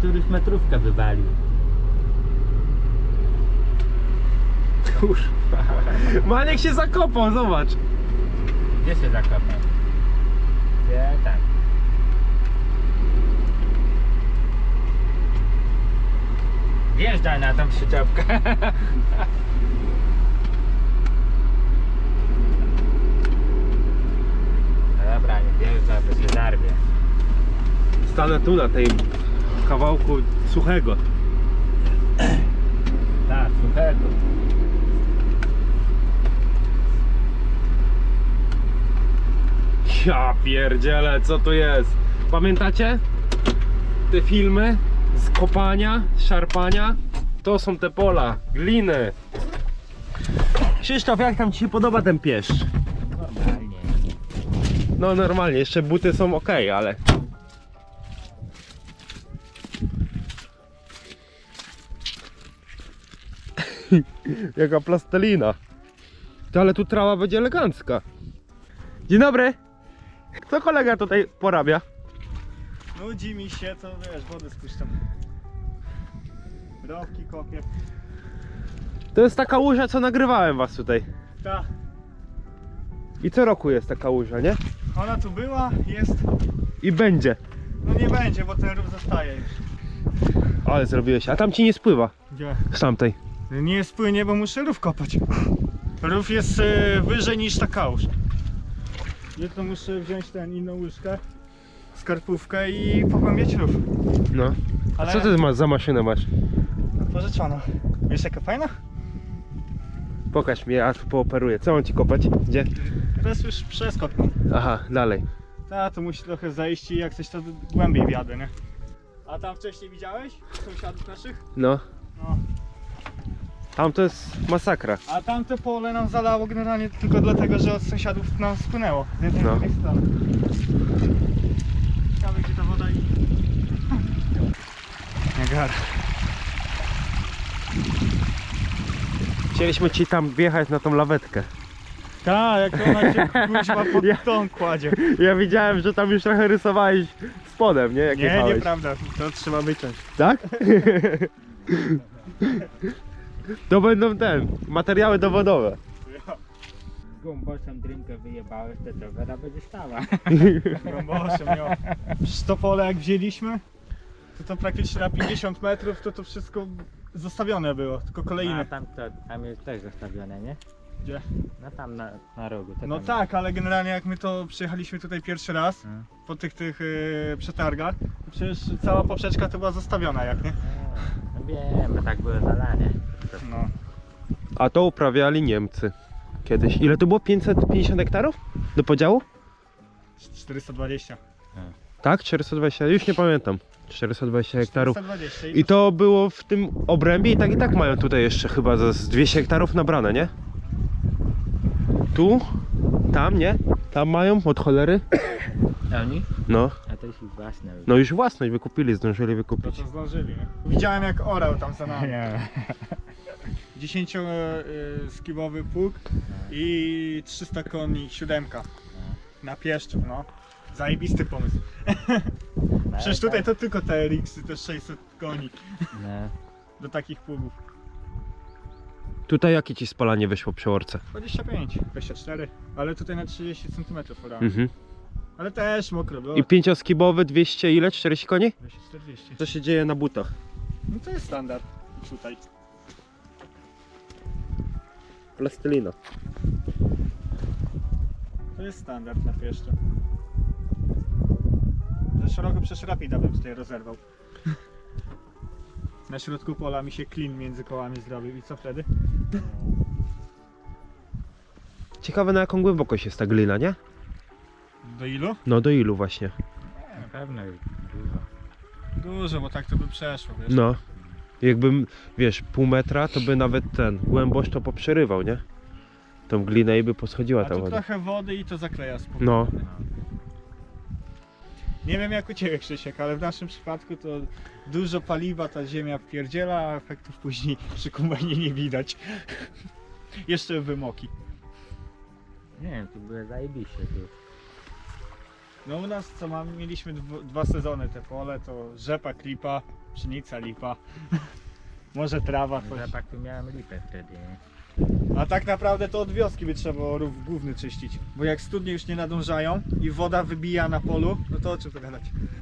któryś metrówkę wywalił. Kurwa. Maniek się zakopał, zobacz. Gdzie się zakopał? Gdzie? Tak. Wjeżdżaj na tą przyczepkę. Dobra, nie wjeżdżaj, bo się zarwie. Stanę tu na tej kawałku suchego. Tak, suchego. Ja pierdzielę, co tu jest? Pamiętacie? Te filmy z kopania, z szarpania? To są te pola, gliny. Krzysztof, jak tam ci się podoba ten pieszcz? Normalnie. No normalnie, jeszcze buty są ok, ale... Jaka plastelina. To ale tu trawa będzie elegancka. Dzień dobry. Co kolega tutaj porabia? Nudzi mi się, to wiesz, wodę spuszczam. Rowki kopię. To jest taka łuża, co nagrywałem was tutaj. Ta, I co roku jest taka łuża, nie? ona tu była, jest. I będzie. No nie będzie, bo ten rów zostaje już. Ale zrobiłeś. A tam ci nie spływa Gdzie? z tamtej. Nie spłynie, bo muszę rów kopać. Rów jest wyżej niż ta kałuż. Jutro muszę wziąć inną łyżkę, skarpówkę i pogłębiać rów. No. A Ale co ty za maszynę masz? pożyczono. Wiesz jaka fajna? Pokaż mi, ja tu pooperuję. Co mam ci kopać? Gdzie? Teraz już przeskok. Aha, dalej. Ta, to musi trochę zejść i jak coś to głębiej wjadę, nie? A tam wcześniej widziałeś sąsiadów naszych? No. No. Tam to jest masakra. A tamte pole nam zalało generalnie tylko dlatego, że od sąsiadów nam spłynęło z jednej i No. drugiej strony. Ciekawe gdzie ta woda idzie. Niagara. Chcieliśmy ci tam wjechać na tą lawetkę. Tak, jak ona cię kuźma pod tą kładzie. Ja widziałem, że tam już trochę rysowałeś spodem, nie? Jak Nie, jechałeś. nieprawda, to trzeba wyciąć. Tak? To będą materiały dowodowe. Gąbosem drinkę wyjebałeś, to woda będzie stała. Grąbosem, jo. Przecież to pole jak wzięliśmy, to praktycznie na 50 metrów to wszystko zostawione było, tylko A kolejne. tam jest też zostawione, nie? Gdzie? No tam na rogu. To No tam tak, ale generalnie jak my to przyjechaliśmy tutaj pierwszy raz, jest. po tych przetargach, to przecież cała poprzeczka to była zostawiona, jak nie? No wiem, tak było zalanie. No. A to uprawiali Niemcy kiedyś. Ile to było? 550 hektarów? Do podziału? 420. Tak? 420? Już nie pamiętam. 420 hektarów. 420 I to było w tym obrębie i tak mają tutaj jeszcze chyba z 200 hektarów nabrane, nie? Tu? Tam, nie? Tam mają od cholery? Oni? No. A to jest ich własne. No już własność wykupili, zdążyli To wykupić. co zdążyli, nie? Widziałem jak orał tam za nami. Nie. 10-skibowy pług i 300 koni, 7 na Pieszczów, no. Zajebisty pomysł. Przecież tutaj to tylko TRX-y, też 600 koni No. do takich pługów. Tutaj jakie ci spalanie wyszło przy orce? 25, 24, ale tutaj na 30 cm orałem. Mhm. Ale też mokro było. I 5-skibowy 200 ile? 40 koni? 240. Co się dzieje na butach? No to jest standard tutaj. Plastelina. To jest standard na Pieszczu. Za szeroko przecież Rapida bym tutaj rozerwał. Na środku pola mi się klin między kołami zrobił i co wtedy? Ciekawe na jaką głębokość jest ta glina, nie? Do ilu? No do ilu właśnie? Na pewno jest dużo. Dużo, bo tak to by przeszło, wiesz? No. Jakbym, wiesz, pół metra, to by nawet ten głębość to poprzerywał, nie? Tą glinę i by poschodziła A ta tu woda. trochę wody i to zakleja spokojnie. No. Nie wiem jak u Ciebie, Krzysiek, ale w naszym przypadku to dużo paliwa ta ziemia wpierdziela, a efektów później przy kombajnie nie widać. Jeszcze wymoki. Nie wiem, tu były zajebiście tu. No u nas co mieliśmy dwa sezony te pole, to rzepa, klipa, pszenica, lipa. Może trawa, coś. Zapach tu miałem lipę wtedy, nie? A tak naprawdę to od wioski by trzeba było rów główny czyścić. Bo jak studnie już nie nadążają i woda wybija na polu, no to o czym tu gadać?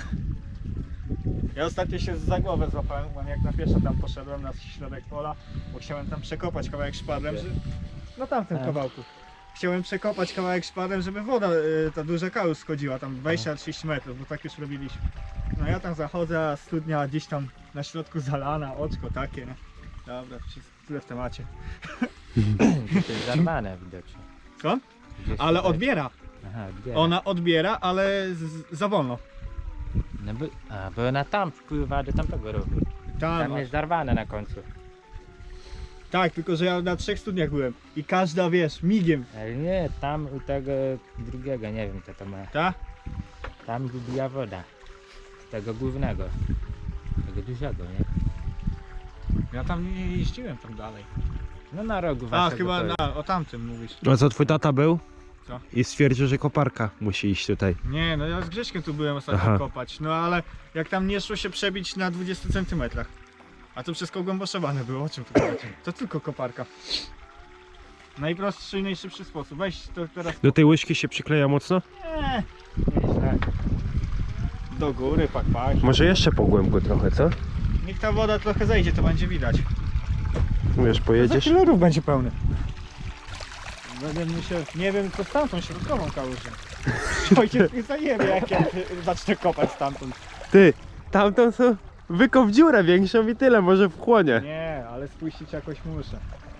Ja ostatnio się za głowę złapałem, bo jak na pieszo tam poszedłem na środek pola, bo chciałem tam przekopać kawałek szpadlem, że... No tamtym kawałku. Chciałem przekopać kawałek szpadlem, żeby woda, ta duża kałuż schodziła, tam 20-30 metrów, bo tak już robiliśmy. No ja tam zachodzę, a studnia gdzieś tam na środku zalana, oczko takie, nie? Dobra, tyle w temacie. To jest zarwane widocznie. Co? Gdzieś Ale tutaj- odbiera. Aha, odbiera. Ona odbiera, ale za wolno. No bo ona tam wpływa do tamtego ruchu. Tam jest zarwane na końcu. Tak, tylko że ja na 3 studniach byłem i każda, wiesz, migiem. Ale nie, tam u tego drugiego, nie wiem co to ma. Ta? Tam wybija woda. Z tego głównego. Tego dużego, nie? Ja tam nie jeździłem tam dalej. No na rogu A, waszego chyba to- o tamtym mówisz. A co twój tata był? Co? I stwierdził, że koparka musi iść tutaj. Nie, no ja z Grześkiem tu byłem ostatnio Aha. kopać, no ale jak tam nie szło się przebić na 20 cm. A to wszystko głęboszowane było, o czym tu mówicie? To tylko koparka. Najprostszy i najszybszy sposób. Weź to teraz... Do tej łyżki się przykleja mocno? Nie, nieźle. Do góry, pak. Może jeszcze po głębku trochę, co? Niech ta woda trochę zejdzie, to będzie widać. Wiesz, Za pojedziesz? chwilę rów będzie pełny. Będę musiał, nie wiem co z tamtą środkową kałużą. Ojciec mnie zajebie jak ja zacznę kopać stamtąd. Ty, tamtą są wykop dziurę większą i tyle, może wchłonie. Nie, ale spuścić jakoś muszę.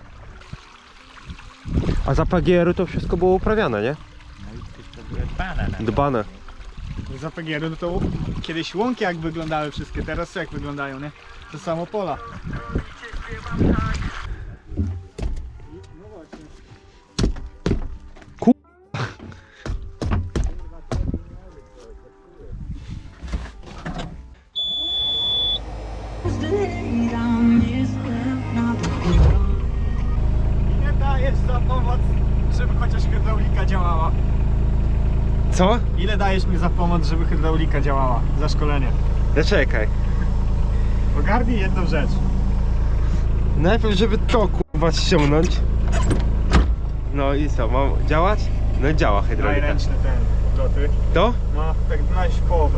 A za PGR-u to wszystko było uprawiane, nie? No i wszystko było dbane na to. Dbane. Za PGR-u no to kiedyś łąki jak wyglądały wszystkie, teraz jak wyglądają, nie? To samo pola. No właśnie. Ile dajesz za pomoc, żeby chociaż hydraulika działała? Co? Ile dajesz mi za pomoc, żeby hydraulika działała? Za szkolenie. Zaczekaj. Ogarnij jedną rzecz. Najpierw, żeby to kurwa ściągnąć. No i co, mam działać? No działa Daj hydraulika. ręczne ten loty. To? Ma tak znaleźć połowę.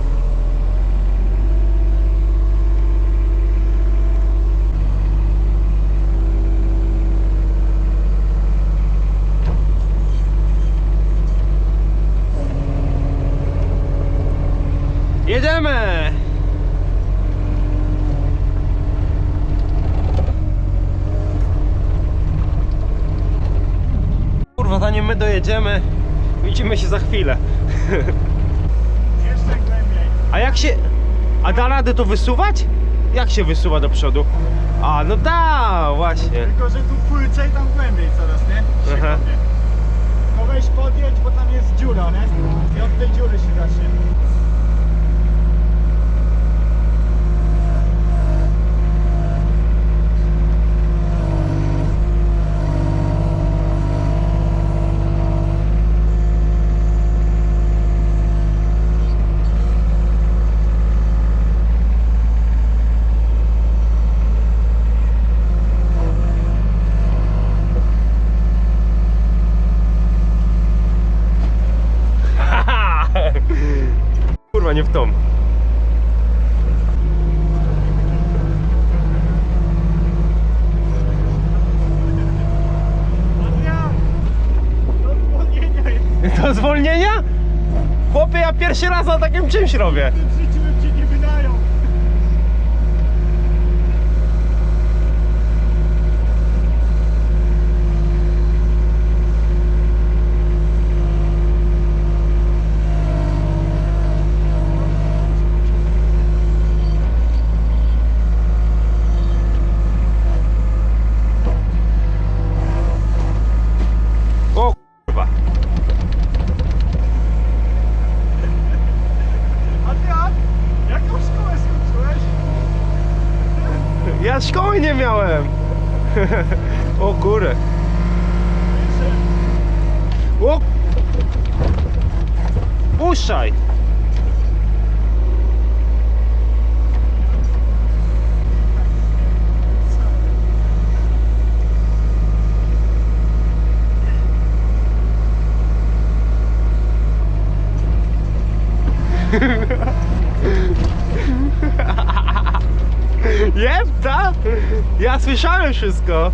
Jedziemy! Kurwa, zanim my dojedziemy, widzimy się za chwilę. Jeszcze głębiej. A jak się... A da radę to wysuwać? Jak się wysuwa do przodu? A, no da, właśnie. Tylko, że tu płycej, tam głębiej coraz, nie? Się Aha. kopnie. No weź podjedź, bo tam jest dziura, nie? I od tej dziury się zacznie. Kurwa, nie w tą. Adrian! Do zwolnienia jest. Do zwolnienia? Chłopie, ja pierwszy raz na takim czymś robię. W tym życiu bym ci nie wydają. O kurwa. Adrian! Jaką szkołę skończyłeś? Ja szkoły nie miałem. O kurę. O! Puszczaj! Jebta? Ja słyszałem wszystko.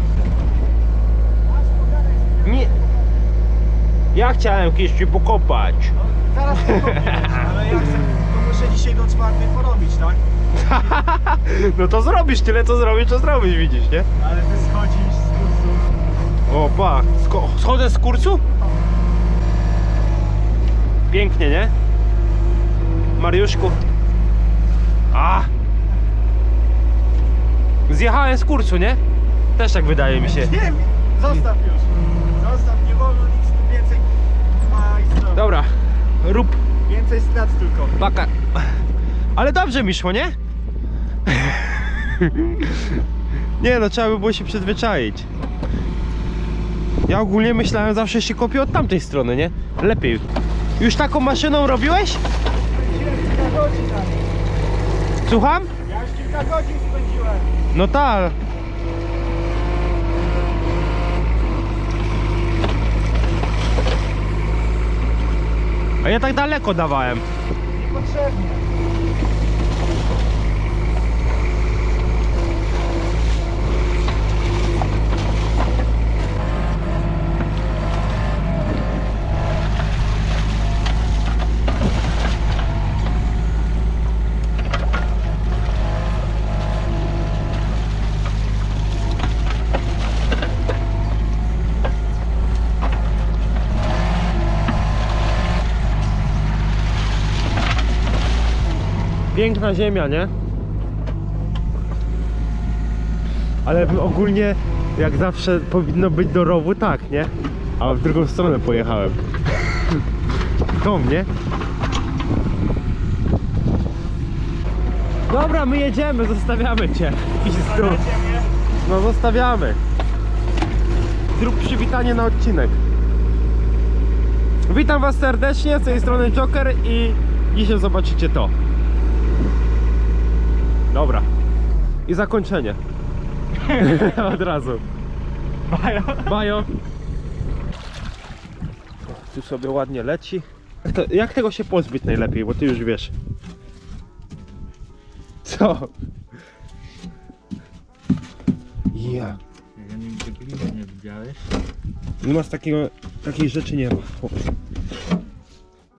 Nie. Ja chciałem kiedyś pokopać. Zaraz ale ja chcę, to muszę dzisiaj do 4 porobić, tak? No to zrobisz tyle, co zrobisz, to zrobisz, widzisz, nie? Ale ty schodzisz z kursu. O, pa. Schodzę z kursu? Pięknie, nie? Mariuszku. A! Zjechałem z kursu, nie? Też tak wydaje mi się. Nie, zostaw już. Zostaw, nie wolno nic tu więcej. Majstro. Dobra, rób Więcej strat tylko. paka. Ale dobrze mi szło, nie? Nie no, trzeba by było się przyzwyczaić. Ja ogólnie myślałem, zawsze się kopię od tamtej strony, nie? Lepiej. Już taką maszyną robiłeś? Kilka godzin na niej. Słucham? Ja już kilka godzin spędziłem. No tak. A ja tak daleko dawałem. Niepotrzebnie. Piękna ziemia, nie? Ale ogólnie, jak zawsze powinno być do rowu, tak, nie? A w drugą stronę pojechałem. Tą, nie? Dobra, my jedziemy, zostawiamy cię. Ziemię. No zostawiamy. Zrób przywitanie na odcinek. Witam was serdecznie, z tej strony Joker i dzisiaj zobaczycie to. Dobra. I zakończenie. Od razu. Bajo. Bajo. Tu sobie ładnie leci. Jak tego się pozbyć najlepiej, bo ty już wiesz. Co? Ja. Ja nigdy gliny nie widziałeś. U nas takiej rzeczy nie ma.